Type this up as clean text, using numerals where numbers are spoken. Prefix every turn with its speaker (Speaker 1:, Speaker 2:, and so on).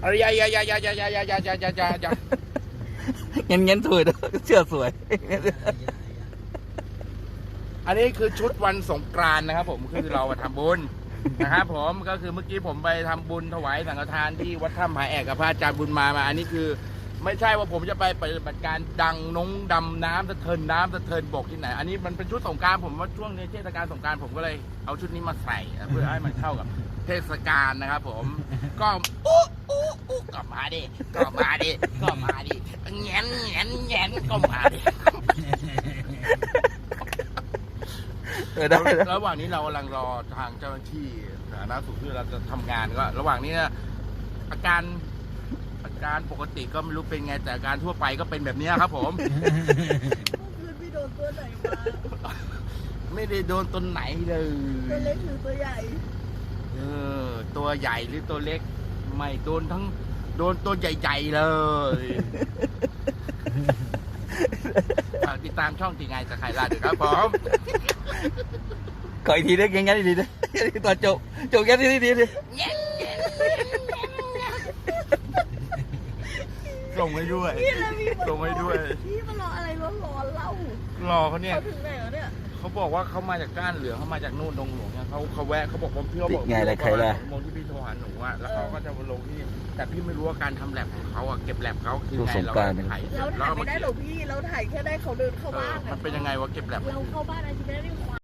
Speaker 1: อะไรอย่า
Speaker 2: เงี้ยสวยเชื่อสวย
Speaker 1: อันนี้คือชุดวันสงกรานต์นะครับผมคือเรามาทำบุญนะครับผมก็คือเมื่อกี้ผมไปทำบุญถวายสังฆทานที่วัดถ้ำผาแอกกับพระอาจารย์บุญมาอันนี้คือไม่ใช่ว่าผมจะไปปฏิบัติการดำน้ำสะเทินบกที่ไหนอันนี้มันเป็นชุดสงกรานต์ผมว่าช่วงนี้เทศกาลสงกรานต์ผมก็เลยเอาชุดนี้มาใส่เพื่อให้มันเข้ากับเทศกาลนะครับผมก็ก็มาดิแงนก็มาดิระหว่างนี้เรากำลังรอทางเจ้าหน้าที่สาธารณสุขที่เราจะทำงานก็ระหว่างนี้นะอาการปกติก็ไม่รู้เป็นไงแต่อาการทั่วไปก็เป็นแบบนี้ครับผม
Speaker 3: คืนพี่โดนตัวไหนมา
Speaker 1: ไม่ได้โดนตัวไหนเลย
Speaker 3: ตัวเล็กหรือตัวใหญ่
Speaker 1: ตัวใหญ่หรือตัวเล็กไม่โดนตัวใหญ่ๆเลยติดตามช่องตีไงจะใครล่ะเดี๋ยวครับผม
Speaker 2: ขออีกทีได้ยังไงดีนะตอนจบแค่ที่ดีดิ
Speaker 1: ส่งให้ด้วย
Speaker 3: พี่มารออะไรร้อนๆเล่าร
Speaker 1: อเขาเนี่ย
Speaker 3: เขาถึงไหนแล้วเนี่ย
Speaker 1: เขาบอกว่าเขามาจากก้านเหลืองเขามาจากนู่นดงหลวงเนี่ยเขาแวะเขาบอกว่าพี่เขาบอก
Speaker 2: ไงอะไรใครล่ะ
Speaker 1: โมงที่พี่โทรหาหนูอะแล้วเขาก็จะมาลงที่นี่แต่พี่ไม่รู้ว่าการทำแลบของเขาอะเก็บแลบเขาคือไงเราถ่าย
Speaker 3: เราถ่ายไม่ได้หรอกพี่เราถ่ายแค่ได้เขาเดินเข้าบ้าน
Speaker 1: มันเป็นยังไงวะเก็บแลบ
Speaker 3: เราเข้าบ้านอาทิตย์ได้